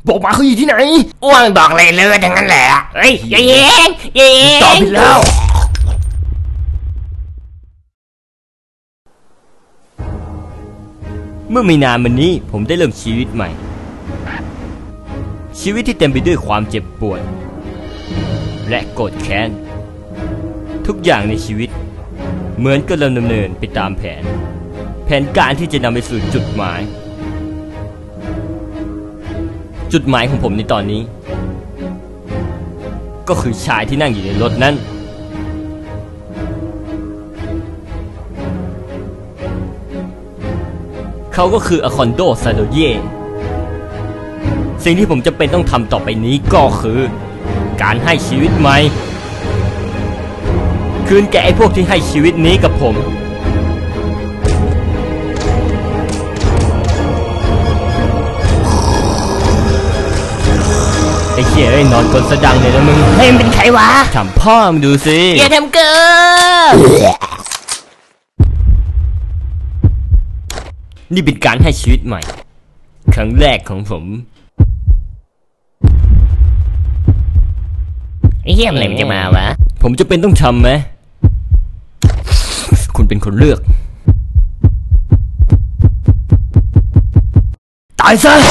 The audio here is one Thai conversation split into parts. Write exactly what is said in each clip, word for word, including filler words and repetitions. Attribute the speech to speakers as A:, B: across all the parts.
A: บอกมาเขาอยู่ที่ไหน
B: อ้วงบอกเลยเลยทั้งนั้นแหละเฮ้ยอย่าเย็งอย่าเย็ง
A: ตอบผิดแล้ว
C: เมื่อไม่นานมานี้ผมได้เริ่มชีวิตใหม่ชีวิตที่เต็มไปด้วยความเจ็บปวดและโกรธแค้นทุกอย่างในชีวิตเหมือนกับเราดำเนินไปตามแผนแผนการที่จะนำไปสู่จุดหมายจุดหมายของผมในตอนนี้ก็คือชายที่นั่งอยู่ในรถนั้นเขาก็คืออคอนโดซาโดเย่สิ่งที่ผมจะเป็นต้องทำต่อไปนี้ก็คือการให้ชีวิตใหม่คืนแก่ไอ้พวกที่ให้ชีวิตนี้กับผมไอ้เหี้ยไอ้นอนกลสะดังเลยนะมึง
B: เฮ้ยมันเป็นใครวะ
C: ทำพ่อมึงดูสิ
B: อย่าทำเกิน
C: นี่เป็นการให้ชีวิตใหม่ครั้งแรกของผม
B: ไอ้เหี้ยอะไรมันจะมาวะ
C: ผมจะเป็นต้องทำไหมคุณเป็นคนเลือกตายซะ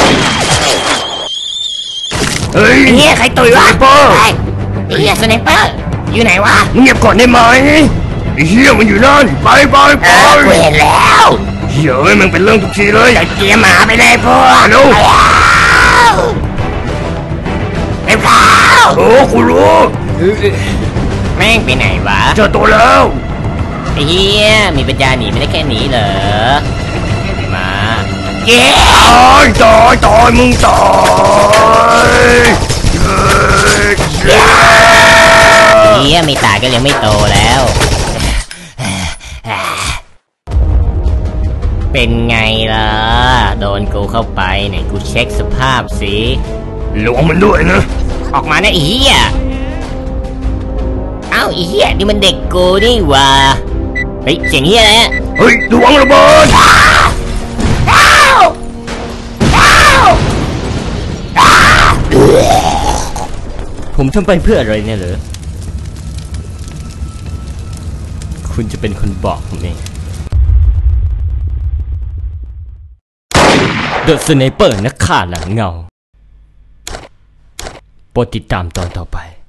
B: เฮ้ยไอ้เหี้ยใครตุยวะไอ้เหี้ยสไนเปอร์อยู่ไหนวะ
A: เงียบก่อนได้ไหมไอ้เหี้ยมันอยู่นั่นไปไปไป
B: กูเห็นแล้ว
A: เหี้ยเอ้ยมันเป็นเรื่องทุกทีเลย
B: เกียร์หมาไปเลยพวก
A: เร็ว
B: ไปเปล่า
A: โอ้กูรู้
B: แม่งไปไหนวะ
A: เจอตัวแล้ว
B: ไอ้เหี้ยมีปัญญาหนีไม่ได้แค่นี้เหรอมาเย้
A: ตายตายตายมึงตาย
B: เหี้ยไม่ตายก็ยังไม่โตแล้วเป็นไงล่ะโดนกูเข้าไปไหนกูเช็คสภาพสิ
A: ลวงมันด้วยนะ
B: ออกมานะไอ้เหี้ยเอ้าไอ้เหี้ยนี่มันเด็กกูนี่วะเฮ้ยเสียงเหี้ยอะไร
A: เฮ้ยลวงระเบิด
C: ผมทำไปเพื่ออะไรเนี่ยเหรอคุณจะเป็นคนบอกผมเองเดอะสไนเปอร์นักฆ่าหลังเงาโปรดติดตามตอนต่อไป